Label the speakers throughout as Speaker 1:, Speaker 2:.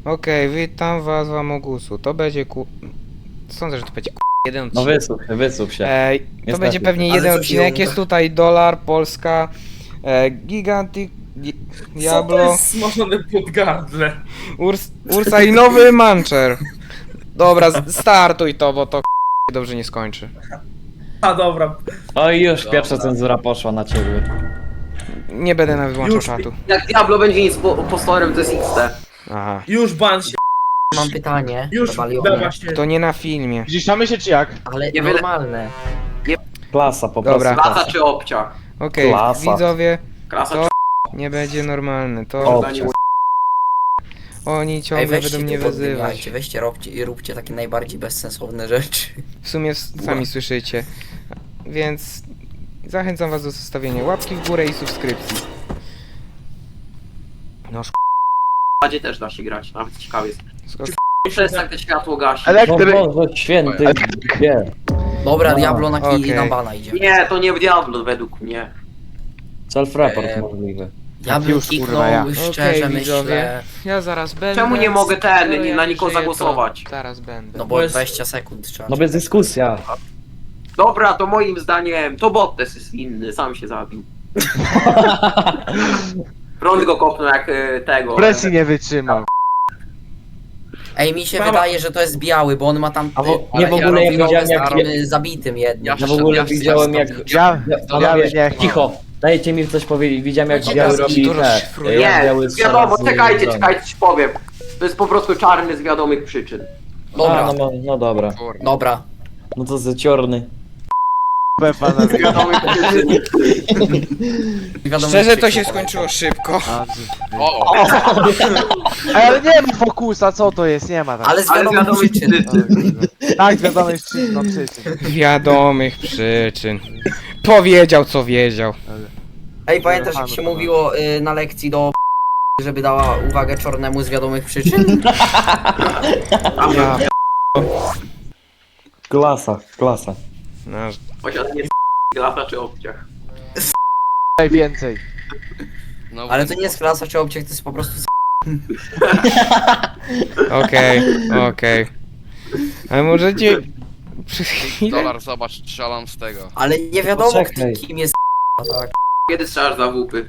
Speaker 1: Okej, witam was w Amogusu. To będzie Sądzę, że to będzie jeden
Speaker 2: No
Speaker 1: odcinek.
Speaker 2: wysuw się.
Speaker 1: To
Speaker 2: Niestety.
Speaker 1: będzie pewnie
Speaker 3: Ale
Speaker 1: jeden
Speaker 3: co się
Speaker 1: odcinek.
Speaker 3: jąka?
Speaker 1: Jest tutaj Dolar, Polska, Gigantic,
Speaker 3: Co to
Speaker 1: Diablo,
Speaker 3: jest smażone pod gardle?
Speaker 1: Ursa i nowy Mancher. Dobra, startuj to, bo to dobrze nie skończy.
Speaker 3: A dobra.
Speaker 2: O i już pierwsza cenzura poszła na ciebie.
Speaker 1: Nie będę nawet włączał
Speaker 3: Już
Speaker 1: czatu.
Speaker 4: Jak Diablo będzie nic postorem, to jest XT.
Speaker 1: Aha.
Speaker 3: Już ban się.
Speaker 5: Mam pytanie
Speaker 3: Już
Speaker 5: do Baliona,
Speaker 3: dawa się.
Speaker 1: To nie na filmie.
Speaker 6: Zdziszczamy się czy jak?
Speaker 5: ale
Speaker 4: Nie wyle-
Speaker 5: normalne.
Speaker 2: Klasa po
Speaker 1: Dobra.
Speaker 2: prostu.
Speaker 4: Klasa czy obcia?
Speaker 1: Okej,
Speaker 2: Klasa.
Speaker 1: widzowie,
Speaker 4: Klasa
Speaker 1: To-
Speaker 4: czy
Speaker 1: nie będzie normalne. To
Speaker 2: Obcia.
Speaker 1: oni
Speaker 5: Ej,
Speaker 1: ciągle
Speaker 5: weźcie
Speaker 1: będą mnie
Speaker 5: tu
Speaker 1: wyzywać.
Speaker 5: podbijajcie, weźcie, róbcie takie najbardziej bezsensowne rzeczy.
Speaker 1: W sumie sami słyszycie. Więc zachęcam was do zostawienia łapki w górę i subskrypcji. No
Speaker 4: Badzie też da się grać, nawet ciekawie jest.
Speaker 1: szkoda.
Speaker 4: Przestań te światło gasi.
Speaker 2: No
Speaker 6: Elektryk.
Speaker 2: Boże święty, gdzie?
Speaker 5: Dobra,
Speaker 2: No,
Speaker 5: Diablo
Speaker 1: okej.
Speaker 5: na bana idzie.
Speaker 4: Nie, to nie w Diablo według mnie.
Speaker 2: Self-report możliwy.
Speaker 5: Diablo
Speaker 6: już,
Speaker 5: kiknął,
Speaker 6: kurwa, ja.
Speaker 5: szczerze
Speaker 1: Okej, widzowie.
Speaker 5: myślę,
Speaker 1: Ja zaraz będę.
Speaker 4: Czemu nie mogę
Speaker 1: Skoro
Speaker 4: na
Speaker 1: ja
Speaker 4: nikogo
Speaker 1: żyję,
Speaker 4: zagłosować?
Speaker 1: to Zaraz będę.
Speaker 5: no
Speaker 3: Bo
Speaker 5: bo
Speaker 3: jest-
Speaker 5: 20 sekund trzeba.
Speaker 2: No bez dyskusja.
Speaker 4: Dobra, to moim zdaniem to Bottes jest inny, sam się zabił. Prąd go kopnął jak tego.
Speaker 6: Presji nie wytrzymał.
Speaker 5: Ej, mi się
Speaker 3: Mama-
Speaker 5: wydaje, że to jest biały, bo on ma tam...
Speaker 2: nie, w ogóle ja widziałem jak...
Speaker 5: zabitym jednym.
Speaker 2: Ja w ogóle widziałem jak... Panowie,
Speaker 6: nie.
Speaker 2: cicho. Dajcie mi coś powiedzieć. Widziałem jak
Speaker 1: Będzie
Speaker 2: biały
Speaker 1: gaz,
Speaker 2: robi
Speaker 1: dużo
Speaker 2: te...
Speaker 1: szyfruje.
Speaker 2: jak
Speaker 4: Nie,
Speaker 2: biały
Speaker 4: wiadomo,
Speaker 2: strzela z
Speaker 4: czekajcie,
Speaker 2: broni.
Speaker 4: czekajcie, ci powiem. To jest po prostu czarny z wiadomych przyczyn.
Speaker 5: Dobra,
Speaker 2: No dobra.
Speaker 5: dobra.
Speaker 2: No to zaciorny.
Speaker 6: Pana
Speaker 4: Z wiadomych przyczyn.
Speaker 5: Wiadomo,
Speaker 1: Szczerze to się skończyło szybko.
Speaker 6: Ale nie ma fokusa, co to jest? Nie ma tak.
Speaker 5: Ale z
Speaker 4: Ale z
Speaker 5: wiadomych
Speaker 4: wiadomych
Speaker 5: przyczyn.
Speaker 4: przyczyn.
Speaker 6: Tak, wiadomo jest czym, no przyczyn.
Speaker 1: Wiadomych przyczyn. Powiedział co wiedział.
Speaker 5: Ej, pamiętasz jak się mówiło na lekcji do żeby dała uwagę czarnemu z wiadomych przyczyn?
Speaker 1: Ja.
Speaker 2: Klasa.
Speaker 1: No,
Speaker 4: Posiadanie lata czy obciach.
Speaker 6: Najwięcej.
Speaker 5: Ale to nie jest klasa czy obciech, to jest po prostu...
Speaker 1: okej. Ale możecie... Przez chwilę...
Speaker 7: Dolar, zobacz, strzelam z tego.
Speaker 5: Ale nie wiadomo
Speaker 2: Poczekaj.
Speaker 5: kim jest tak.
Speaker 4: Kiedy strzelasz za łupy?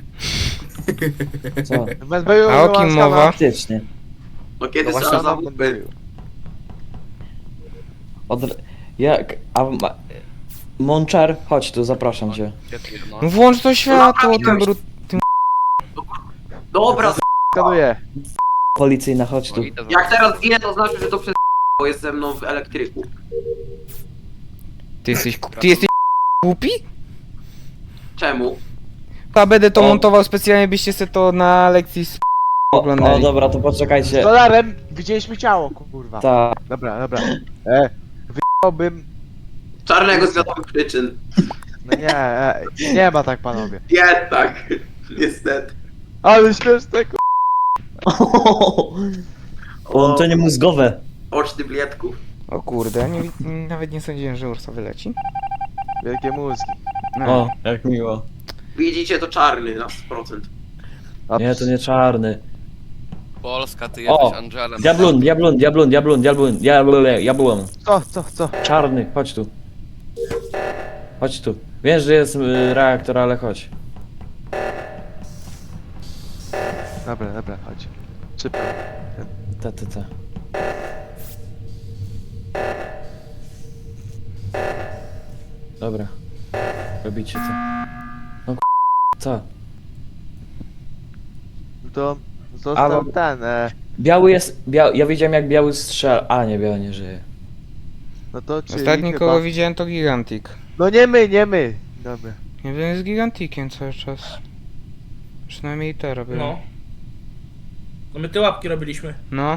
Speaker 2: Co?
Speaker 1: A o kim mowa?
Speaker 2: Faktycznie.
Speaker 4: No kiedy
Speaker 5: No właśnie,
Speaker 4: strzelasz za łupy?
Speaker 2: Jak... Monczar, chodź tu, zapraszam cię.
Speaker 1: No włącz to światło, tym brud...
Speaker 4: Dobra,
Speaker 6: Skanuję.
Speaker 2: Policyjna, chodź tu.
Speaker 4: jak teraz zginę, to znaczy, że to przez bo jest ze mną w elektryku.
Speaker 1: Ty jesteś głupi?
Speaker 4: Czemu?
Speaker 1: Ja będę to
Speaker 2: O.
Speaker 1: montował specjalnie, byście se to na lekcji
Speaker 2: O
Speaker 1: oglądali.
Speaker 2: dobra, to
Speaker 6: Z
Speaker 2: poczekajcie.
Speaker 6: dolarem widzieliśmy ciało, kurwa.
Speaker 2: Tak.
Speaker 6: Dobra. Wyjąłbym...
Speaker 4: Czarnego z wiadomych przyczyn.
Speaker 6: No nie ma tak, panowie.
Speaker 4: Nie, tak. Niestety.
Speaker 6: Ale śmieszne, kurwa.
Speaker 2: Połączenie mózgowe.
Speaker 4: Oczny blietków.
Speaker 1: O kurde, nawet nie sądziłem, że Ursa wyleci.
Speaker 6: Wielkie mózgi.
Speaker 1: No.
Speaker 2: O, jak miło.
Speaker 4: Widzicie, to czarny na 100%.
Speaker 6: A
Speaker 2: Nie, to nie czarny.
Speaker 7: Polska, ty
Speaker 2: O,
Speaker 7: jesteś Angelem.
Speaker 2: Diablon.
Speaker 6: Co?
Speaker 2: Czarny, chodź tu. Chodź tu. Wiesz, że jest reaktor, ale chodź.
Speaker 6: Dobra, chodź. Szybko.
Speaker 2: Ta. Dobra. Robicie to. No co?
Speaker 6: To został
Speaker 2: Ale-
Speaker 6: ten,
Speaker 2: Biały jest... Ja widziałem jak biały strzela... A nie, biały nie żyje.
Speaker 6: no to czyli
Speaker 1: Ostatni
Speaker 6: chyba...
Speaker 1: kogo widziałem to Gigantic.
Speaker 6: No nie my. Dobra.
Speaker 1: Nie wiem, z Giganticiem cały czas. Przynajmniej to robię.
Speaker 3: No. No my te łapki robiliśmy.
Speaker 1: No.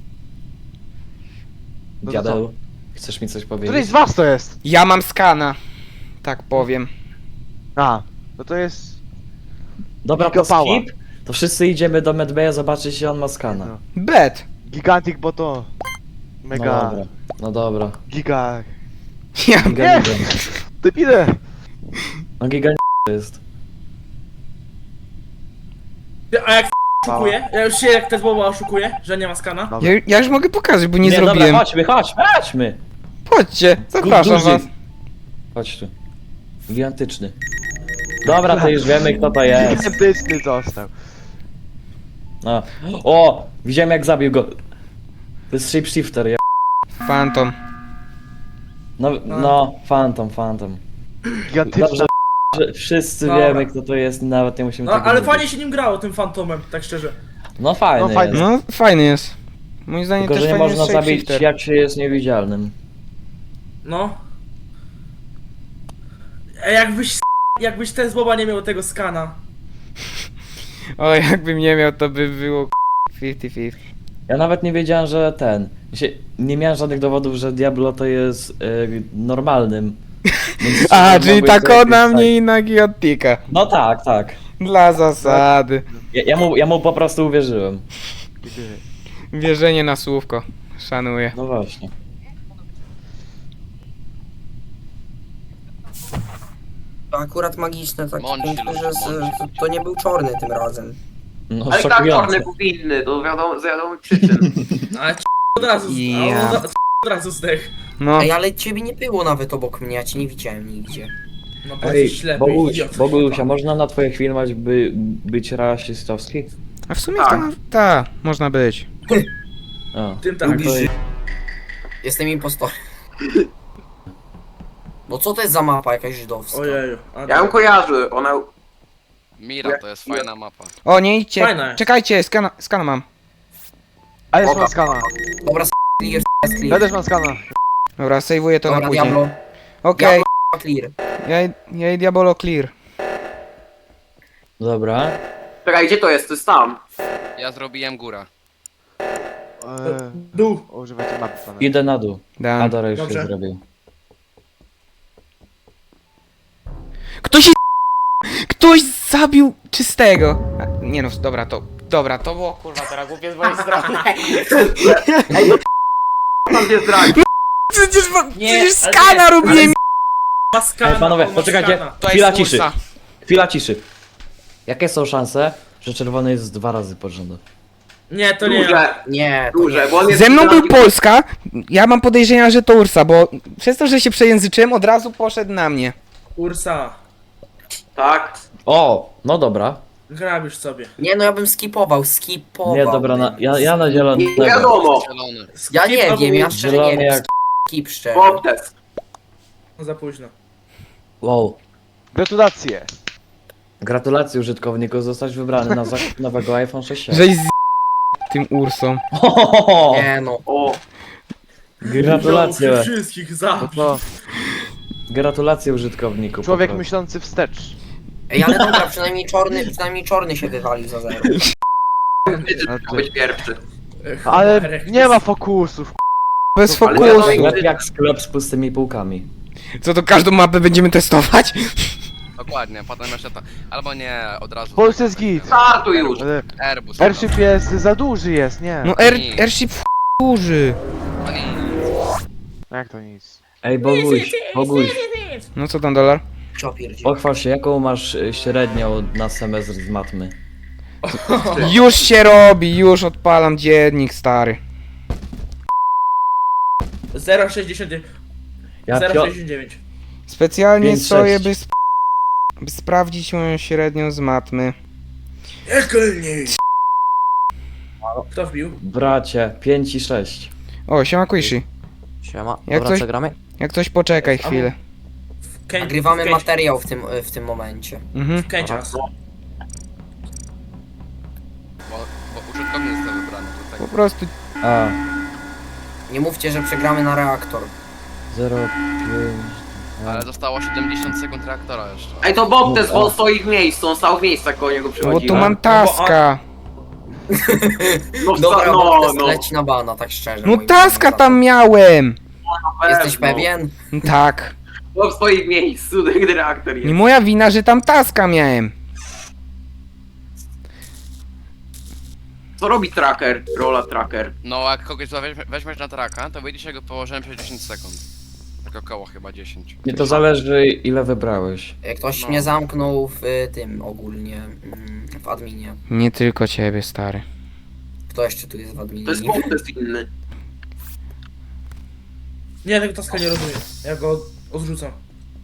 Speaker 6: No to
Speaker 2: Diabeł. Chcesz mi coś
Speaker 6: Któryś
Speaker 2: powiedzieć?
Speaker 6: z was to jest?
Speaker 1: Ja mam skana. Tak powiem.
Speaker 6: A, no to jest...
Speaker 2: Dobra, to
Speaker 6: Gigapała.
Speaker 2: skip. To wszyscy idziemy do Medbaya zobaczyć, czy on ma skana.
Speaker 6: No.
Speaker 1: Bet!
Speaker 6: Gigantic, bo to... Mega...
Speaker 2: No dobra.
Speaker 6: Giga...
Speaker 1: Ja...
Speaker 2: Giga.
Speaker 6: Debile!
Speaker 2: No giga to jest.
Speaker 3: A jak Oszukuje? Ja już się jak te słowa oszukuje, że nie ma skana.
Speaker 6: Dobra.
Speaker 1: Ja już mogę pokazać, bo nie
Speaker 2: Nie,
Speaker 1: zrobiłem.
Speaker 2: dobra, chodźmy.
Speaker 1: Chodźcie, zapraszam
Speaker 2: Duży.
Speaker 1: was.
Speaker 2: Chodź tu. Gigantyczny. Dobra, to już wiemy kto to jest.
Speaker 6: Gigantyczny został.
Speaker 2: No. O! Widziałem jak zabił go. To jest shapeshifter, ja.
Speaker 1: Phantom.
Speaker 2: No, Phantom.
Speaker 6: Gigantyczna.
Speaker 2: Dobrze, że wszyscy
Speaker 3: Dobra.
Speaker 2: wiemy kto to jest, nawet nie musimy
Speaker 3: No
Speaker 2: tego
Speaker 3: ale
Speaker 2: mówić.
Speaker 3: fajnie się nim grało, tym fantomem, tak szczerze.
Speaker 2: No fajny,
Speaker 6: No, fajny.
Speaker 2: jest.
Speaker 1: No, fajny jest. Moim zdaniem
Speaker 2: Tylko,
Speaker 1: też
Speaker 2: że nie
Speaker 1: fajny
Speaker 2: można
Speaker 1: jest
Speaker 2: zabić
Speaker 1: shapeshifter.
Speaker 2: jak się jest niewidzialnym.
Speaker 3: No. Jakbyś ten słowa nie miał tego skana.
Speaker 1: O, jakbym nie miał, to by było 50-50.
Speaker 2: Ja nawet nie wiedziałem, że nie miałem żadnych dowodów, że Diablo to jest normalnym. Więc
Speaker 1: A,
Speaker 2: mogę
Speaker 1: czyli
Speaker 2: sobie
Speaker 1: tak ona
Speaker 2: wstać.
Speaker 1: mnie i na Giotika.
Speaker 2: No tak.
Speaker 1: Dla zasady.
Speaker 2: Ja mu po prostu uwierzyłem.
Speaker 1: Wierzenie na słówko. Szanuję.
Speaker 2: No właśnie.
Speaker 5: To akurat magiczne, tak
Speaker 7: Mąci
Speaker 5: punkty,
Speaker 7: ludzie,
Speaker 5: że to nie był czarny tym razem.
Speaker 2: No
Speaker 4: Ale tak
Speaker 2: szokujące.
Speaker 4: czarny był winny, to wiadomo, z wiadomych przyczyn.
Speaker 3: Ale od razu,
Speaker 1: Ja.
Speaker 3: od razu zdech.
Speaker 1: No,
Speaker 5: Ej, ale ciebie nie było nawet obok mnie, ja cię nie widziałem nigdzie.
Speaker 3: No bo
Speaker 2: Ej,
Speaker 3: jesteś ślepy,
Speaker 2: Bogusia,
Speaker 3: idiot.
Speaker 2: można na twoich filmach być rasistowski?
Speaker 1: a w sumie
Speaker 4: Tak.
Speaker 1: ta, można być.
Speaker 2: O.
Speaker 3: Tym tak.
Speaker 5: Lubisz żyć. Jestem impostorem. No co to jest za mapa jakaś żydowska?
Speaker 3: Ojeju.
Speaker 4: Ja ją kojarzę, ona...
Speaker 7: Mira to jest fajna mapa.
Speaker 1: O, nie idźcie.
Speaker 3: Fajne.
Speaker 1: Czekajcie, skana mam.
Speaker 6: A jest
Speaker 4: Dobra.
Speaker 6: mam skana.
Speaker 5: Dobra, clear,
Speaker 6: Ja
Speaker 5: clear.
Speaker 6: też mam skana.
Speaker 1: Dobra, sejwuję to
Speaker 5: Dobra,
Speaker 1: na później.
Speaker 5: Diablo,
Speaker 1: Okej,
Speaker 5: clear.
Speaker 1: ja i Diabolo clear.
Speaker 2: Dobra.
Speaker 4: Czekaj, gdzie to jest? To jest tam.
Speaker 7: Ja zrobiłem góra.
Speaker 3: Dół.
Speaker 6: Używajcie mapy pana.
Speaker 2: Idę na dół.
Speaker 1: Dam.
Speaker 2: Adora już
Speaker 3: Dobrze.
Speaker 2: się zrobił.
Speaker 1: Ktoś zabił czystego. A, nie no, dobra, to było kurwa teraz głupie z mojej strony.
Speaker 4: Tam gdzie zdradzić.
Speaker 1: Przecież
Speaker 3: ale
Speaker 1: skana
Speaker 3: nie,
Speaker 1: robiłem.
Speaker 3: Ma skana,
Speaker 2: Ej, panowie,
Speaker 3: ma
Speaker 2: poczekajcie.
Speaker 3: skana.
Speaker 1: To
Speaker 2: Chwila
Speaker 1: jest
Speaker 2: ciszy.
Speaker 1: Ursa.
Speaker 2: Chwila ciszy. Jakie są szanse, że czerwony jest 2 razy pod rząd?
Speaker 3: Nie, to nie ja.
Speaker 4: Duże,
Speaker 5: Nie, to
Speaker 4: duże,
Speaker 5: nie.
Speaker 4: bo on jest...
Speaker 1: Ze mną był
Speaker 4: zdradził-
Speaker 1: Polska, ja mam podejrzenia, że to Ursa, bo przez to, że się przejęzyczyłem, od razu poszedł na mnie.
Speaker 3: Ursa.
Speaker 4: Tak.
Speaker 2: O, no dobra.
Speaker 3: Grabisz sobie.
Speaker 5: Nie, no ja bym skipował.
Speaker 2: Nie, dobra, ja na
Speaker 4: Nie
Speaker 2: zielonego.
Speaker 4: wiadomo.
Speaker 7: Zielony.
Speaker 5: Ja nie
Speaker 3: Skip
Speaker 5: wiem, ja
Speaker 3: albo
Speaker 5: szczerze nie
Speaker 2: Zielony
Speaker 5: wiem.
Speaker 2: jak...
Speaker 5: Skip szczerze.
Speaker 4: Bobtes.
Speaker 3: Za późno.
Speaker 2: Wow.
Speaker 6: Gratulacje.
Speaker 2: Gratulacje użytkowniku, zostać wybrany na zakup nowego iPhone 6.
Speaker 1: Żeś z tym Ursą.
Speaker 5: Nie no.
Speaker 4: O,
Speaker 2: Gratulacje.
Speaker 3: Wziął wszystkich za.
Speaker 6: No to
Speaker 2: Gratulacje użytkowniku.
Speaker 6: człowiek
Speaker 2: po prostu.
Speaker 6: myślący wstecz.
Speaker 5: Ej, ale dobra, przynajmniej czarny się wywalił za 0.
Speaker 4: ty miał być pierwszy.
Speaker 6: Ale nie ma fokusów.
Speaker 1: Bez
Speaker 4: Ale
Speaker 1: fokusu.
Speaker 4: wiadomo,
Speaker 2: Sklep jak sklep z pustymi półkami.
Speaker 1: Co to każdą mapę będziemy testować?
Speaker 7: Dokładnie, potem jeszcze to. Albo nie, od razu.
Speaker 6: W Polsce jest git.
Speaker 4: Startuj już.
Speaker 6: Ale
Speaker 7: Airbus.
Speaker 6: airship jest za duży jest, nie?
Speaker 1: No airship duży.
Speaker 7: No nie.
Speaker 6: Jak to nic?
Speaker 2: Ej, Boguś,
Speaker 1: No co tam, dolar?
Speaker 5: Co pierdzie?
Speaker 2: pochwal się, jaką masz średnią na semestr z matmy?
Speaker 1: Już się robi, już odpalam dziennik, stary.
Speaker 3: 0,69.
Speaker 2: Ja
Speaker 3: 0,69.
Speaker 1: Specjalnie
Speaker 2: 5-6.
Speaker 1: stoję, by sprawdzić moją średnią z matmy.
Speaker 3: Ekelniej. Kto wbił?
Speaker 2: Bracie, 5 i 6.
Speaker 1: O, siema Quishi.
Speaker 5: Siema,
Speaker 1: Jak
Speaker 5: dobra,
Speaker 1: coś-
Speaker 5: co gramy?
Speaker 1: Jak coś poczekaj chwilę.
Speaker 5: Nagrywamy materiał w tym momencie.
Speaker 1: Mhm.
Speaker 3: Kęcias.
Speaker 7: Bo użytkownik został wybrany do
Speaker 1: Po
Speaker 7: tego.
Speaker 1: prostu
Speaker 2: A,
Speaker 5: Nie mówcie, że przegramy na reaktor.
Speaker 2: 0,5...
Speaker 7: Ale zostało 70 sekund reaktora jeszcze.
Speaker 4: Ej, to Bobtes, bo
Speaker 2: O.
Speaker 4: on stoi w miejscu, on stał w miejscu, jak koło niego
Speaker 1: bo tu
Speaker 4: przychodziłem.
Speaker 1: mam taska.
Speaker 4: No,
Speaker 5: Dobra,
Speaker 4: no,
Speaker 5: no,
Speaker 4: no.
Speaker 5: leci na bana, tak szczerze.
Speaker 1: No
Speaker 5: moim
Speaker 1: taska
Speaker 5: zdaniem.
Speaker 1: tam miałem.
Speaker 5: Jesteś
Speaker 4: pewno.
Speaker 5: pewien?
Speaker 1: Tak.
Speaker 4: Bob stoi w miejscu, gdy reaktor
Speaker 1: Nie
Speaker 4: jest.
Speaker 1: moja wina, że tam taska miałem.
Speaker 4: Co robi tracker? Rola tracker.
Speaker 7: No, jak kogoś weźmiesz na traka, to wyjdzie się go położyłem przez 10 sekund. Tak około chyba 10.
Speaker 2: Nie to zależy ile wybrałeś.
Speaker 5: Ktoś
Speaker 7: No.
Speaker 5: mnie zamknął w tym ogólnie, w adminie.
Speaker 1: Nie tylko ciebie, stary.
Speaker 5: Kto jeszcze tu jest w adminie?
Speaker 4: To jest
Speaker 5: Nikt?
Speaker 4: bot, to jest inny.
Speaker 3: Nie, tego taska nie rozumiem. Ja go odrzucam.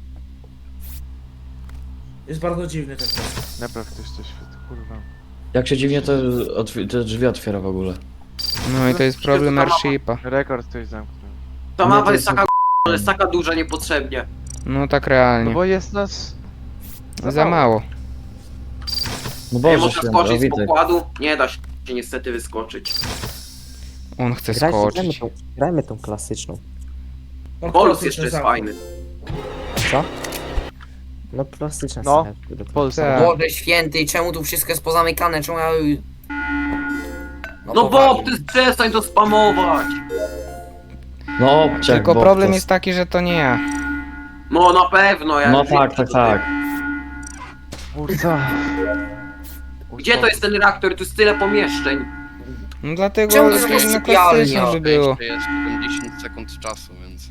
Speaker 3: Jest bardzo dziwny ten task.
Speaker 6: Napraw ktoś coś, kurwa.
Speaker 2: Jak się dziwnie te drzwi otwiera w ogóle.
Speaker 1: No i to jest problem Airshipa.
Speaker 6: Rekord ktoś zamknął.
Speaker 4: Ta
Speaker 2: Nie,
Speaker 4: mapa
Speaker 2: to
Speaker 4: jest
Speaker 2: jest-
Speaker 4: taka ale jest taka duża niepotrzebnie.
Speaker 1: No tak
Speaker 6: No
Speaker 1: realnie.
Speaker 6: bo jest nas...
Speaker 1: Za mało.
Speaker 2: No
Speaker 4: Nie
Speaker 2: Boże
Speaker 4: można
Speaker 2: święty,
Speaker 4: skoczyć
Speaker 2: o
Speaker 4: z
Speaker 2: witaj.
Speaker 4: pokładu? Nie da się niestety wyskoczyć.
Speaker 1: On chce
Speaker 8: Grajmy
Speaker 1: skoczyć.
Speaker 8: grajmy tą klasyczną.
Speaker 3: Mam
Speaker 4: Polus
Speaker 3: klasyczny
Speaker 4: jeszcze jest
Speaker 3: zamknął.
Speaker 4: fajny.
Speaker 8: Co? No klasyczna
Speaker 6: No.
Speaker 8: scena, które to-
Speaker 6: Polsa.
Speaker 1: Tak.
Speaker 5: Boże święty, czemu tu wszystko jest pozamykane? Czemu ja...
Speaker 4: No
Speaker 5: powali.
Speaker 4: Bob, ty przestań to spamować!
Speaker 2: No obciak,
Speaker 1: Tylko
Speaker 2: bo
Speaker 1: problem
Speaker 2: to-
Speaker 1: jest taki, że to nie ja.
Speaker 4: No na pewno, ja
Speaker 2: No
Speaker 4: już wiem,
Speaker 2: tak,
Speaker 4: co
Speaker 2: tak,
Speaker 4: to
Speaker 2: tak.
Speaker 6: Kurwa.
Speaker 4: Gdzie to jest ten reaktor? Tu jest tyle pomieszczeń.
Speaker 1: No dlatego
Speaker 5: Czemu to jest
Speaker 1: zrobili na
Speaker 5: sypialnia?
Speaker 1: klasyczną, żeby było.
Speaker 7: Jeszcze jest 70 sekund czasu, więc...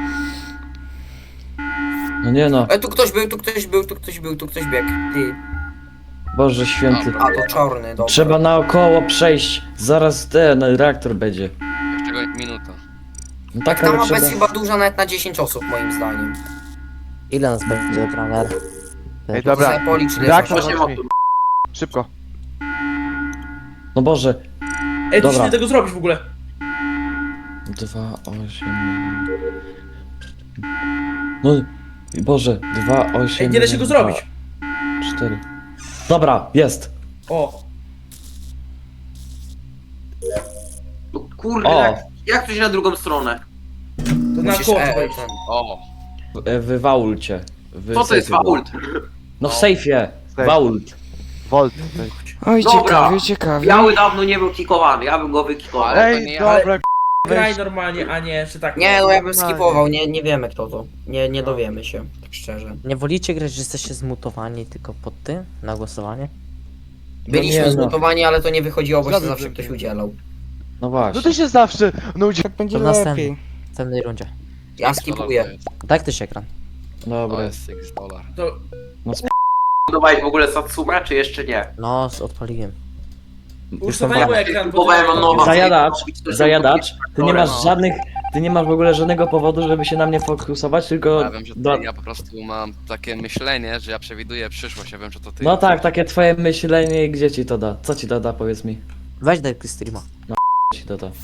Speaker 2: No nie no,
Speaker 5: Tu ktoś był, tu ktoś był, tu ktoś był, tu ktoś biegł. Ty.
Speaker 2: Boże święty.
Speaker 5: A to czarny, dobra.
Speaker 2: Trzeba naokoło przejść, zaraz ten reaktor będzie.
Speaker 7: Jeszcze minuta.
Speaker 2: No
Speaker 5: Tak,
Speaker 2: tak,
Speaker 5: ta
Speaker 2: ale
Speaker 5: mapa jest
Speaker 2: trzeba...
Speaker 5: chyba duża nawet na 10 osób moim zdaniem.
Speaker 8: Ile nas będzie trener?
Speaker 6: Ej,
Speaker 5: To
Speaker 6: dobra.
Speaker 5: sobie policz, ile
Speaker 6: Reaktor
Speaker 5: jest
Speaker 4: Właśnie
Speaker 5: osób.
Speaker 4: ma tu.
Speaker 6: Szybko.
Speaker 2: No Boże.
Speaker 3: Ej, ty
Speaker 2: Dobra.
Speaker 3: nie tego zrobić w ogóle.
Speaker 2: 2, 8... No, Boże, 2, 8...
Speaker 3: Ej, nie da się go zrobić.
Speaker 2: 4. Dobra, jest.
Speaker 3: O,
Speaker 4: No kurde,
Speaker 2: O.
Speaker 4: jak tu się na drugą stronę?
Speaker 3: to na
Speaker 5: Musisz
Speaker 3: koło
Speaker 5: ten.
Speaker 3: wejść.
Speaker 7: O!
Speaker 2: W vaulcie.
Speaker 4: Co to jest fault?
Speaker 2: No w sejfie.
Speaker 6: Safe.
Speaker 2: Vault.
Speaker 6: Volt.
Speaker 1: Oj,
Speaker 4: Dobra.
Speaker 1: ciekawie, ciekawie.
Speaker 4: Biały dawno nie był kikowany, ja bym go wykikował.
Speaker 7: Ale- to
Speaker 6: Ej,
Speaker 7: nie ja.
Speaker 6: dobra,
Speaker 3: Graj normalnie, a nie, czy tak.
Speaker 5: Nie, no ja bym
Speaker 6: Normalnie.
Speaker 5: skipował, nie wiemy kto to. Nie dowiemy się, tak szczerze.
Speaker 8: Nie wolicie grać, że jesteście zmutowani tylko pod tym na głosowanie?
Speaker 5: Byliśmy
Speaker 2: nie, no.
Speaker 5: zmutowani, ale to nie wychodziło, bo się
Speaker 6: Zgadzam
Speaker 5: zawsze
Speaker 6: się.
Speaker 5: ktoś udzielał.
Speaker 2: No właśnie.
Speaker 6: no ty się zawsze nudzi.
Speaker 1: Tak będzie
Speaker 8: To następny.
Speaker 1: lepiej.
Speaker 8: W następnej rundzie.
Speaker 5: Ja skipuję.
Speaker 8: Tak też ekran.
Speaker 2: Dobra.
Speaker 7: To jest $6.
Speaker 3: To
Speaker 4: Budowałeś w ogóle Satsuma, czy jeszcze nie?
Speaker 8: No, odpaliłem.
Speaker 3: ustawiłem ekran, bo
Speaker 4: Kupowałem
Speaker 3: to-
Speaker 4: nowa.
Speaker 2: Zajadacz, ty nie masz
Speaker 7: No.
Speaker 2: żadnych, ty nie masz w ogóle żadnego powodu, żeby się na mnie fokusować, tylko...
Speaker 7: Ja wiem, że
Speaker 2: do-
Speaker 7: ja po prostu mam takie myślenie, że ja przewiduję przyszłość, ja wiem, że to ty.
Speaker 2: No tak, takie twoje myślenie, gdzie ci to da? Co ci to da, powiedz mi?
Speaker 8: Weź daj streama.
Speaker 2: Co ci to da?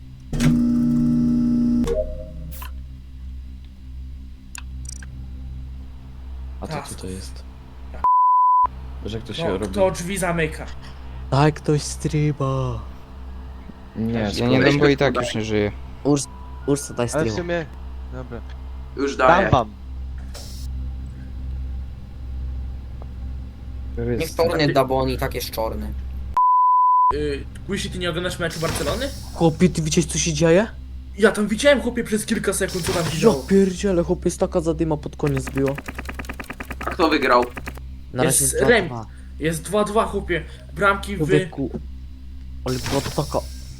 Speaker 2: A co
Speaker 3: Tak.
Speaker 2: tutaj jest? Że ktoś się
Speaker 3: No,
Speaker 2: robi...
Speaker 3: kto drzwi zamyka.
Speaker 8: Daj ktoś streama.
Speaker 2: Nie,
Speaker 1: Ja nie dam, bo i tak już nie żyję.
Speaker 8: Ursa, daj
Speaker 6: Ale w
Speaker 8: streama.
Speaker 6: sumie... Dobra.
Speaker 4: Już
Speaker 6: Dam
Speaker 4: daję.
Speaker 6: wam.
Speaker 5: Niech czarny da, bo on i tak jest czarny.
Speaker 3: Guisi, ty nie oglądasz meczu Barcelony?
Speaker 8: Chłopie, ty widziałeś co się dzieje?
Speaker 3: Ja tam widziałem, chłopie, przez kilka sekund, co tam się
Speaker 8: Ja
Speaker 3: działo.
Speaker 8: pierdziele, chłopie, jest taka zadyma pod koniec była.
Speaker 4: A kto wygrał?
Speaker 8: Na razie
Speaker 3: Jest
Speaker 8: jest
Speaker 3: rem.
Speaker 8: 2-2.
Speaker 3: Jest 2-2, chłopie. Bramki w...
Speaker 8: Człowieku. Ale była taka...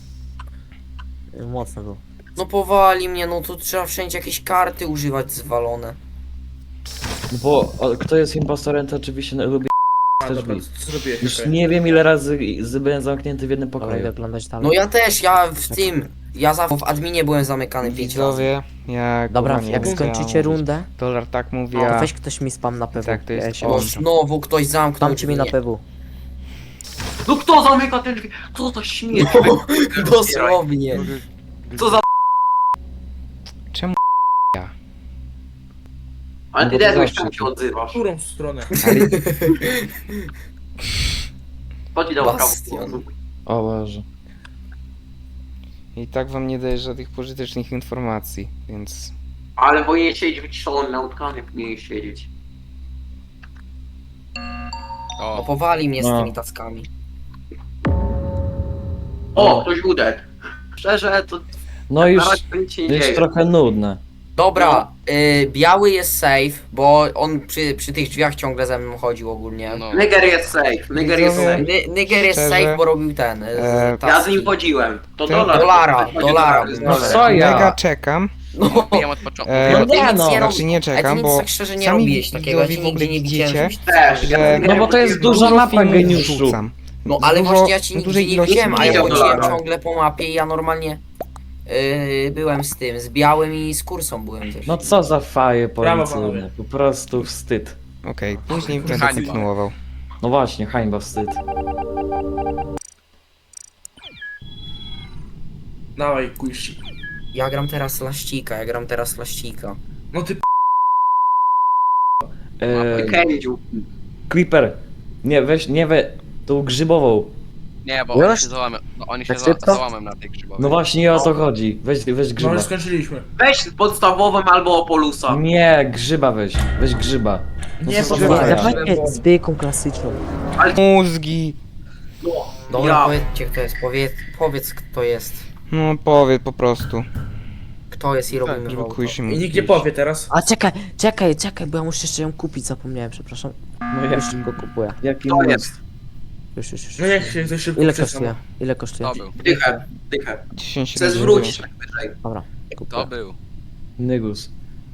Speaker 8: Mocno było.
Speaker 5: No powali mnie, no tu trzeba wszędzie jakieś karty używać zwalone.
Speaker 2: No bo kto jest impostorem, to oczywiście lubi
Speaker 3: A,
Speaker 2: też
Speaker 3: dobra,
Speaker 2: bit.
Speaker 3: co zrobiłeś?
Speaker 2: Już
Speaker 3: okej.
Speaker 2: nie wiem ile razy byłem zamknięty w jednym
Speaker 8: Dobra,
Speaker 2: pokoju.
Speaker 8: idę oglądać dalej.
Speaker 5: No ja też, ja w tym... Ja zawsze w adminie byłem zamykany 5 razy.
Speaker 1: Widzowie, ja
Speaker 8: Dobra,
Speaker 1: kurwa nie
Speaker 8: jak
Speaker 1: wiem, co ja
Speaker 8: skończycie
Speaker 1: mam mówić.
Speaker 8: rundę,
Speaker 1: Dolar tak mówi,
Speaker 8: to
Speaker 1: a...
Speaker 8: weź ktoś mi spam na PW.
Speaker 1: Tak, to jest
Speaker 8: Ja się
Speaker 1: on.
Speaker 5: No
Speaker 8: odłączam.
Speaker 5: znowu ktoś zamknął
Speaker 8: Spamcie mi na
Speaker 5: drzwi.
Speaker 8: PW.
Speaker 4: No kto zamyka te drzwi? Co za śmieć?
Speaker 5: Dosłownie.
Speaker 4: Co za...
Speaker 1: Czemu
Speaker 4: Ale
Speaker 1: No
Speaker 4: ty
Speaker 1: bo to
Speaker 4: Dedłeś,
Speaker 1: zawsze
Speaker 4: czemu się
Speaker 1: tu.
Speaker 3: W
Speaker 4: odzywasz?
Speaker 3: którą stronę?
Speaker 4: To ci dał
Speaker 5: Bastion.
Speaker 4: prawo.
Speaker 2: O Boże.
Speaker 1: I tak wam nie daje żadnych pożytecznych informacji, więc...
Speaker 4: Ale powinien siedzieć wyciszony, na utkanie powinien siedzieć.
Speaker 5: No
Speaker 7: O,
Speaker 5: powali mnie z
Speaker 2: No.
Speaker 5: tymi taskami.
Speaker 4: O, ktoś udek. Szczerze, to
Speaker 2: No już,
Speaker 4: na razie to nic się
Speaker 2: to
Speaker 4: nie
Speaker 2: jest
Speaker 4: dzieje.
Speaker 2: trochę nudne.
Speaker 5: Dobra, biały jest safe, bo on przy tych drzwiach ciągle ze mną chodził ogólnie.
Speaker 7: no.
Speaker 4: Niger jest safe, Niger jest
Speaker 1: Widzowie,
Speaker 4: safe.
Speaker 5: Niger jest
Speaker 1: Szczerze,
Speaker 5: safe, bo robił ten.
Speaker 1: ja
Speaker 4: Ja z nim chodziłem. To
Speaker 1: Ty-
Speaker 4: dolar.
Speaker 5: Dolara.
Speaker 1: No
Speaker 2: co ja?
Speaker 1: Mega czekam,
Speaker 5: No,
Speaker 7: Bijam od początku.
Speaker 1: E,
Speaker 2: No
Speaker 5: ty
Speaker 2: nie
Speaker 5: nic
Speaker 2: no.
Speaker 5: nie
Speaker 1: Znaczy nie
Speaker 5: Ale ty
Speaker 1: czekam,
Speaker 5: nic
Speaker 1: bo
Speaker 5: tak szczerze nie
Speaker 1: sami
Speaker 5: robiłeś takiego, ja cię
Speaker 1: widzowie w ogóle
Speaker 5: nigdzie nie widziałem,
Speaker 1: widzicie,
Speaker 5: żebyś
Speaker 4: Też,
Speaker 1: że
Speaker 2: No bo to jest duża
Speaker 1: dużo
Speaker 2: mapa
Speaker 1: filmów
Speaker 2: geniuszu.
Speaker 1: wrzucam.
Speaker 5: No ale
Speaker 1: Dużo-
Speaker 5: właśnie ja cię nigdzie
Speaker 1: dużej
Speaker 5: nie
Speaker 1: ilości
Speaker 5: widziałem, a ja
Speaker 4: filmów.
Speaker 5: chodziłem
Speaker 4: Dobra.
Speaker 5: ciągle po mapie i ja normalnie byłem z tym, z białym i z kursą byłem też.
Speaker 2: No co za faje
Speaker 3: Brawo,
Speaker 2: policyjne,
Speaker 3: panowie.
Speaker 2: po prostu wstyd.
Speaker 1: Okej, później będę
Speaker 7: Hańba.
Speaker 1: kontynuował.
Speaker 2: No właśnie, hańba, wstyd.
Speaker 3: Dawaj, kuishi.
Speaker 5: Ja gram teraz laścika.
Speaker 3: No ty
Speaker 4: Kędziu.
Speaker 2: Creeper, nie weź, nie tą grzybową.
Speaker 7: Nie, bo
Speaker 8: Już?
Speaker 7: oni się załamią, no, oni się
Speaker 8: Tak szybko?
Speaker 7: załamią na tej grzybowej.
Speaker 2: No właśnie o to chodzi. Weź
Speaker 3: no
Speaker 2: grzyba.
Speaker 3: już skończyliśmy.
Speaker 4: Weź podstawową albo Opolusa.
Speaker 2: Nie, grzyba weź grzyba. No
Speaker 3: Nie,
Speaker 2: co za
Speaker 3: grzyba.
Speaker 2: faja?
Speaker 8: Dawajcie zwykłą klasyczną.
Speaker 1: Mózgi.
Speaker 5: Dobra,
Speaker 4: Ja.
Speaker 5: powiedzcie kto jest, powiedz kto jest.
Speaker 1: No powiedz po prostu.
Speaker 5: Kto jest i robimy
Speaker 6: Tak,
Speaker 5: wołto.
Speaker 1: Kuj się
Speaker 3: I nikt nie powie teraz.
Speaker 8: A czekaj, bo ja muszę jeszcze ją kupić, zapomniałem, przepraszam.
Speaker 2: No
Speaker 8: Już
Speaker 2: jak,
Speaker 8: szybko kupuję.
Speaker 2: jaki
Speaker 4: To
Speaker 2: mózg?
Speaker 4: jest.
Speaker 8: Już.
Speaker 3: No jak się ktoś szybko
Speaker 8: Ile
Speaker 3: przesłał.
Speaker 8: kosztuje? Ile kosztuje?
Speaker 7: To był,
Speaker 4: Dychę.
Speaker 1: 10
Speaker 4: Chcę zwrócić tak wyżej.
Speaker 8: Dobra,
Speaker 7: to
Speaker 8: kupuję.
Speaker 7: był.
Speaker 2: Nygus.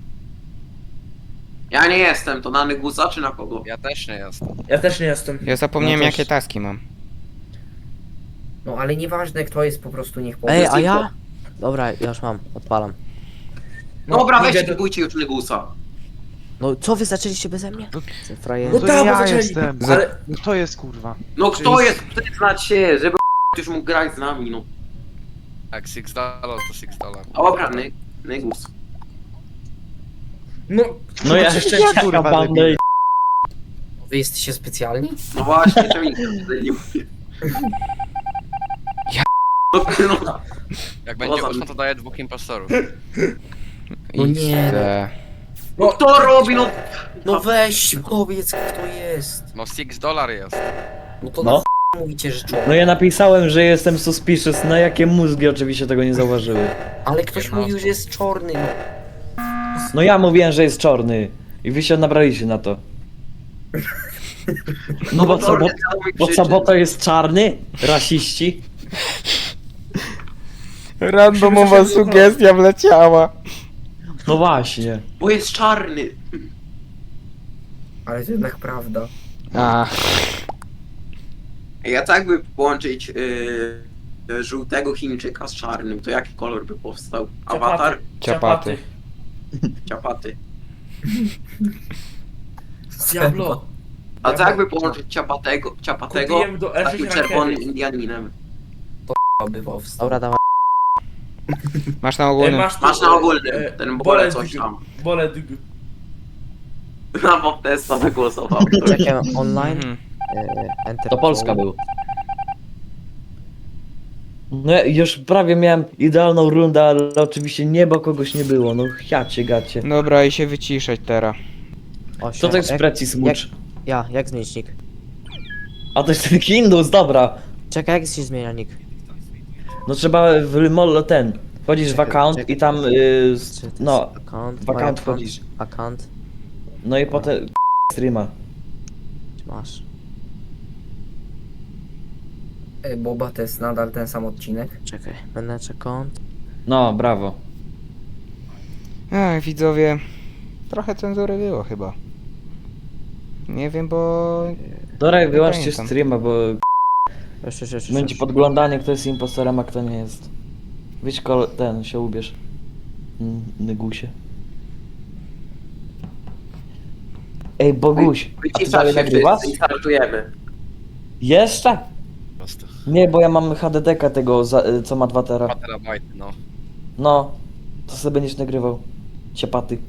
Speaker 4: Ja nie jestem, to na Nygusa czy na kogo?
Speaker 7: Ja też nie jestem.
Speaker 3: Ja też nie jestem.
Speaker 1: Ja zapomniałem
Speaker 2: No też.
Speaker 1: jakie taski mam.
Speaker 5: No ale nieważne kto jest, po prostu niech powie.
Speaker 8: Ej, a ja? Dobra, ja już mam, odpalam.
Speaker 3: No,
Speaker 4: Dobra,
Speaker 3: idę
Speaker 4: weźcie,
Speaker 3: do-
Speaker 4: kupujcie już Nygusa.
Speaker 8: No co wy zaczęliście beze mnie? Frajer.
Speaker 3: No
Speaker 6: To
Speaker 3: tak, bo
Speaker 6: ja
Speaker 3: zaczęli.
Speaker 6: jestem.
Speaker 3: Ale
Speaker 6: No to jest kurwa.
Speaker 4: No kto jest, przyznać się, żeby już mógł grać z nami, no.
Speaker 7: Jak $6 to $6.
Speaker 4: Dobra, Nygus.
Speaker 3: no,
Speaker 2: No ja
Speaker 3: jeszcze
Speaker 6: Ja kurwa
Speaker 2: bandę
Speaker 6: debil.
Speaker 5: Wy jesteście specjalni?
Speaker 4: No właśnie, czemu nikt nie mówi?
Speaker 1: Ja-
Speaker 4: No,
Speaker 7: Jak będzie
Speaker 4: Poza
Speaker 7: 8,
Speaker 4: tym.
Speaker 7: to daję 2 impostorów.
Speaker 5: No nie.
Speaker 1: XD.
Speaker 4: no kto robi, no?
Speaker 5: No weź, powiedz kto jest.
Speaker 7: No $6 jest.
Speaker 5: No to
Speaker 2: No.
Speaker 5: na ch... mówicie, że człowiek.
Speaker 2: No ja napisałem, że jestem suspicious, na jakie mózgi oczywiście tego nie zauważyły.
Speaker 5: Ale ktoś mówił, że jest czarny, no.
Speaker 2: No ja mówiłem, że jest czarny. I wy się nabraliście na to. No bo co, bo to jest czarny? Rasiści?
Speaker 1: Randomowa sugestia wleciała.
Speaker 2: No właśnie.
Speaker 4: Bo jest czarny.
Speaker 5: Ale to jednak prawda.
Speaker 1: A,
Speaker 4: Ja tak by połączyć żółtego Chińczyka z czarnym, to jaki kolor by powstał? Awatar?
Speaker 1: ciapaty.
Speaker 4: Ciapaty.
Speaker 3: Diablo.
Speaker 4: A co jakby połączyć ciapatego
Speaker 3: Kupiłem do
Speaker 4: z takim
Speaker 3: F
Speaker 4: czerwonym
Speaker 3: rankery.
Speaker 4: Indianinem?
Speaker 5: By powstał.
Speaker 8: Dobra, dawaj.
Speaker 1: Masz na ogólnym.
Speaker 3: Masz,
Speaker 4: Masz na ogólnym, ten bole coś tam.
Speaker 3: Bole
Speaker 4: Na Bobtesta wygłosował.
Speaker 8: Czekam online.
Speaker 1: Mhm.
Speaker 8: Enter
Speaker 2: To Polska
Speaker 8: code.
Speaker 2: był. No ja już prawie miałem idealną rundę, ale oczywiście nie, bo kogoś nie było. No jacie gacie.
Speaker 1: Dobra, i się wyciszać teraz.
Speaker 8: Osiem.
Speaker 2: Co to jest
Speaker 8: Jak-
Speaker 2: precis mucz?
Speaker 8: jak zmienić nick?
Speaker 2: A to jest ten Hindus, dobra.
Speaker 8: Czekaj, jak się zmienia nick?
Speaker 2: No trzeba w molo ten. Wchodzisz w
Speaker 8: Czekaj,
Speaker 2: account
Speaker 8: czekaj.
Speaker 2: i tam
Speaker 8: Czy to jest
Speaker 2: no,
Speaker 8: account,
Speaker 2: w account
Speaker 8: my account,
Speaker 2: wchodzisz.
Speaker 8: account,
Speaker 2: No i potem streama.
Speaker 8: masz.
Speaker 5: Boba to jest nadal ten sam odcinek.
Speaker 8: Czekaj, manage account.
Speaker 2: No, brawo.
Speaker 1: Ach, widzowie. Trochę cenzury było chyba. Nie wiem, bo...
Speaker 2: Dobra, wyłączcie
Speaker 1: pamiętam.
Speaker 2: streama, bo
Speaker 8: Już.
Speaker 2: będzie podglądanie, kto jest impostorem, a kto nie jest. Wyjdź ten, się ubierz. Nygusie. Ej, Boguś, a ty
Speaker 4: Wyciszasz
Speaker 2: dalej
Speaker 4: się
Speaker 2: nagrywasz?
Speaker 4: wszyscy i startujemy.
Speaker 2: Jeszcze?
Speaker 7: Po prostu.
Speaker 2: Nie, bo ja mam HDD-ka tego, co ma 2 tera.
Speaker 7: 2 terabajty, no.
Speaker 2: No, to sobie będziesz nagrywał. Ciepaty.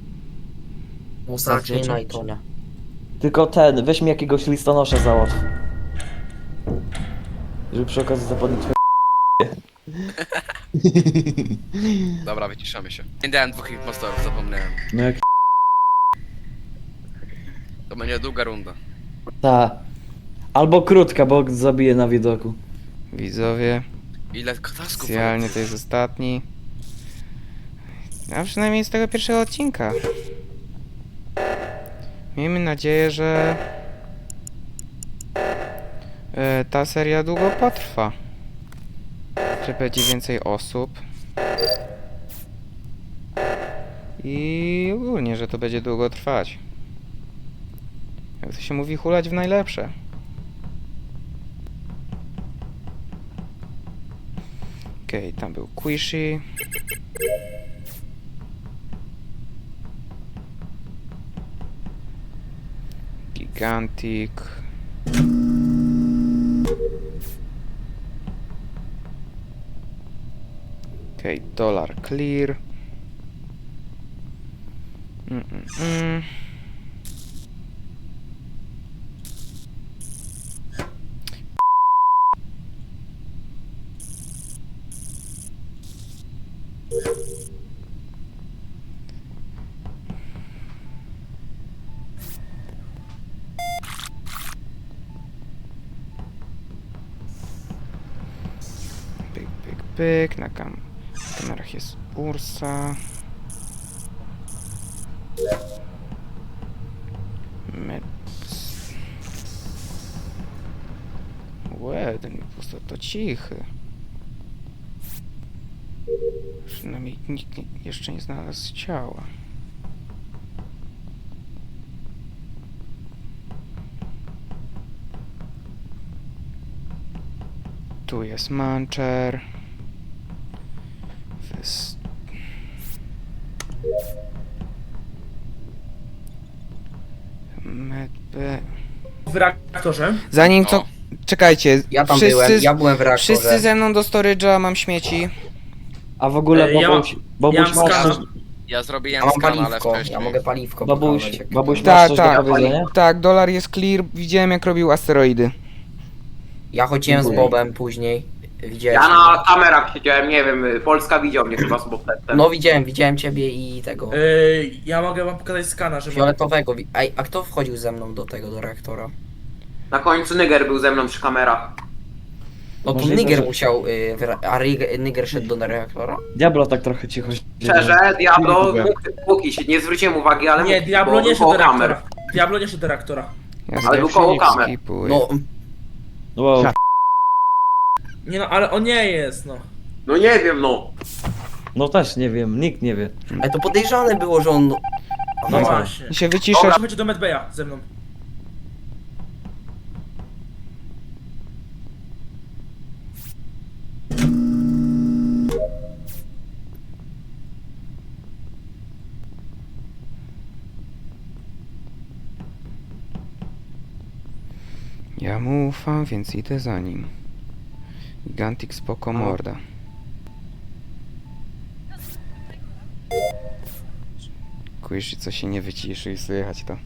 Speaker 5: Zaczynaj to.
Speaker 8: Tonia.
Speaker 2: Tylko ten, weź mi jakiegoś listonosza załatw. Żeby przy okazji zapodnić twoje
Speaker 7: Dobra, wyciszamy się. Nie dałem 2 impostorów, zapomniałem.
Speaker 2: No jak
Speaker 7: To będzie długa runda.
Speaker 2: ta. Albo krótka, bo zabiję na widoku.
Speaker 1: Widzowie,
Speaker 7: Ile tasków?
Speaker 1: specjalnie to jest ostatni. A przynajmniej z tego pierwszego odcinka. Miejmy nadzieję, że ta seria długo potrwa. Że będzie więcej osób. I ogólnie, że to będzie długo trwać. Jak to się mówi, hulać w najlepsze. Okej, tam był Quishy. Gigantic. Okej, Dollar Clear. Mm. Pyk. Na kamerach jest Ursa. Łe, ten impostor to cichy. Przynajmniej nikt jeszcze nie znalazł ciała. Tu jest Mancher. Medbay.
Speaker 3: W reaktorze.
Speaker 1: Zanim co...
Speaker 7: O.
Speaker 1: Czekajcie.
Speaker 5: Ja tam byłem, ja byłem w reaktorze.
Speaker 1: Wszyscy ze mną do storage'a, mam śmieci.
Speaker 2: A w ogóle
Speaker 3: Ja
Speaker 2: Bobuś,
Speaker 3: ja
Speaker 2: Bobuś
Speaker 3: mam
Speaker 2: masz
Speaker 3: skana.
Speaker 2: coś,
Speaker 7: Ja
Speaker 5: Ja
Speaker 7: zrobiłem
Speaker 5: mam
Speaker 7: skan, ale
Speaker 5: paliwko,
Speaker 7: wcześniej.
Speaker 5: ja mogę paliwko
Speaker 2: Bobuś,
Speaker 5: pokazać, jak-
Speaker 2: Bobuś
Speaker 1: Tak,
Speaker 2: masz coś
Speaker 1: tak.
Speaker 2: do powiedzenia?
Speaker 1: Tak, dolar jest clear. Widziałem jak robił asteroidy.
Speaker 5: Ja chodziłem z
Speaker 2: Dziękuję.
Speaker 5: Bobem później. Widziałem.
Speaker 4: Ja na kamerach siedziałem, nie wiem, Polska widział mnie chyba z Bobtetem.
Speaker 5: No widziałem ciebie i tego.
Speaker 3: Ja mogę wam pokazać skana, że mam.
Speaker 5: Fioletowego. Ej, a kto wchodził ze mną do reaktora?
Speaker 4: Na końcu Niger był ze mną przy kamerach.
Speaker 5: No to
Speaker 2: Możliwe,
Speaker 5: Niger
Speaker 2: że-
Speaker 5: musiał, Niger szedł do reaktora?
Speaker 2: Diablo tak trochę cicho siedzi.
Speaker 4: Szczerze, Diablo,
Speaker 2: Dziękuję.
Speaker 4: póki się nie zwróciłem uwagi, ale
Speaker 3: Nie,
Speaker 4: mógł,
Speaker 3: Diablo
Speaker 4: bo
Speaker 3: nie
Speaker 4: był
Speaker 3: szedł do
Speaker 4: koło kamer.
Speaker 3: reaktora. Diablo nie szedł do reaktora.
Speaker 1: Ja
Speaker 4: Ale był koło kamer.
Speaker 1: skipuję.
Speaker 5: No,
Speaker 2: Wow.
Speaker 3: Nie no, ale on nie jest, no.
Speaker 4: No nie wiem, no.
Speaker 2: No też nie wiem, nikt nie wie.
Speaker 5: ale to podejrzane było, że on...
Speaker 3: No
Speaker 5: No,
Speaker 3: właśnie.
Speaker 1: Się wyciszasz.
Speaker 3: Chodź do Medbaya ze mną.
Speaker 1: Ja mu ufam, więc idę za nim. Gigantic spoko morda. Kujesz, co się nie wyciszy i słychać to.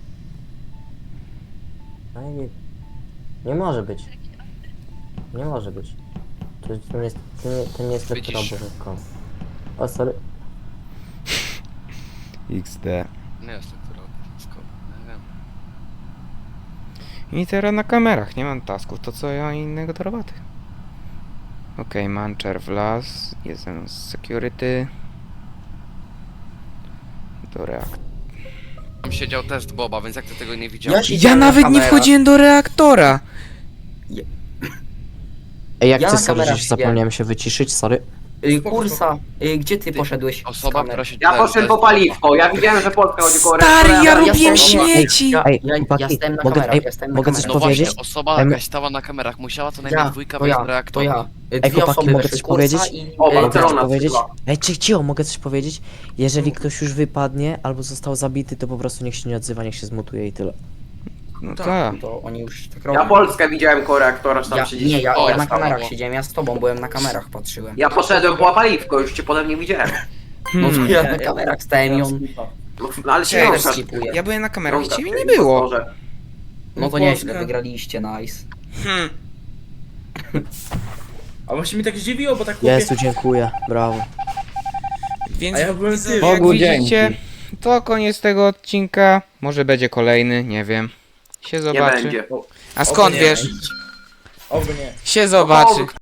Speaker 8: No i nie może być. Nie może być. To nie jest lektura
Speaker 7: Wycisz.
Speaker 8: bożego. O, sorry.
Speaker 1: XD.
Speaker 7: Nie jest to, która wszystko. Nie wiem.
Speaker 1: I teraz na kamerach, nie mam tasków, to co ja innego do roboty. Okej, Mancher wlazł, jest ze mną z security. Do reaktora.
Speaker 7: Tam siedział test Boba, więc jak ty tego nie widziałeś?
Speaker 5: Ja siedziałem
Speaker 1: Ja
Speaker 5: na
Speaker 1: nawet nie
Speaker 5: kamerach.
Speaker 1: wchodziłem do reaktora!
Speaker 8: Ej, jak
Speaker 5: Ja
Speaker 8: ty
Speaker 5: na
Speaker 8: sorry,
Speaker 5: kamerach
Speaker 8: że zapomniałem się wyciszyć, sorry.
Speaker 5: Kursa, gdzie ty poszedłeś z
Speaker 7: Osoba,
Speaker 5: kamer?
Speaker 7: która się
Speaker 4: Ja poszedłem po paliwko, ja widziałem, że Polska chodzi koło
Speaker 1: Stary,
Speaker 4: reaktora,
Speaker 1: ja
Speaker 4: ale
Speaker 1: robiłem
Speaker 5: jestem-
Speaker 1: śmieci!
Speaker 5: Ja
Speaker 8: Ej,
Speaker 5: ja
Speaker 8: chłopaki,
Speaker 5: stałem na
Speaker 8: mogę-
Speaker 5: kamerach,
Speaker 8: ej,
Speaker 5: ja stałem na
Speaker 8: mogę coś
Speaker 7: No
Speaker 5: kamerach.
Speaker 7: właśnie,
Speaker 8: powiedzieć?
Speaker 7: osoba
Speaker 8: Em,
Speaker 7: jakaś stała na kamerach, musiała co najmniej dwójka wejść do
Speaker 5: To
Speaker 7: reaktora.
Speaker 5: ja. Dwie
Speaker 8: chłopaki,
Speaker 5: osoby
Speaker 8: mogę
Speaker 5: weszły,
Speaker 8: coś
Speaker 5: Kursa
Speaker 8: powiedzieć?
Speaker 5: i...
Speaker 4: O,
Speaker 8: Mogę coś
Speaker 4: Barcelona
Speaker 8: powiedzieć?
Speaker 4: przyszła.
Speaker 8: Ej, cicho, mogę coś powiedzieć? Jeżeli ktoś już wypadnie albo został zabity, to po prostu niech się nie odzywa, niech się zmutuje i tyle.
Speaker 1: No
Speaker 5: Tak,
Speaker 1: tak.
Speaker 5: to oni już tak
Speaker 4: Ja
Speaker 5: robią.
Speaker 4: Polskę widziałem koło reaktora, że tam
Speaker 5: Ja,
Speaker 4: siedzisz.
Speaker 5: nie, ja
Speaker 7: O,
Speaker 5: na
Speaker 7: jest
Speaker 5: kamerach
Speaker 7: tam,
Speaker 5: siedziałem, ja z tobą byłem na kamerach, patrzyłem.
Speaker 4: Ja poszedłem po paliwko, już cię potem nie widziałem.
Speaker 5: No to
Speaker 1: Hmm.
Speaker 5: ja na kamerach stałem i on...
Speaker 4: No, ale się
Speaker 1: Cześć.
Speaker 4: wiążesz.
Speaker 5: skipuje.
Speaker 1: Ja byłem na kamerach i
Speaker 4: Wiążesz
Speaker 1: ciebie
Speaker 4: w
Speaker 1: nie
Speaker 4: tym
Speaker 1: było.
Speaker 4: impostorze.
Speaker 5: No to
Speaker 3: Polska.
Speaker 5: nieźle, wygraliście, nice.
Speaker 1: Hmm.
Speaker 3: A właśnie mi tak zdziwiło, bo tak chłopie...
Speaker 8: Jezu, dziękuję, brawo.
Speaker 1: Więc
Speaker 3: A ja byłem
Speaker 1: widzowie,
Speaker 3: tym.
Speaker 1: jak
Speaker 2: Bogu
Speaker 1: widzicie,
Speaker 2: dzięki.
Speaker 1: to koniec tego odcinka. Może będzie kolejny, nie wiem. Się
Speaker 4: Nie
Speaker 1: zobaczy.
Speaker 4: będzie.
Speaker 1: A skąd
Speaker 3: nie.
Speaker 1: wiesz?
Speaker 3: Oby nie.
Speaker 1: Się zobaczy.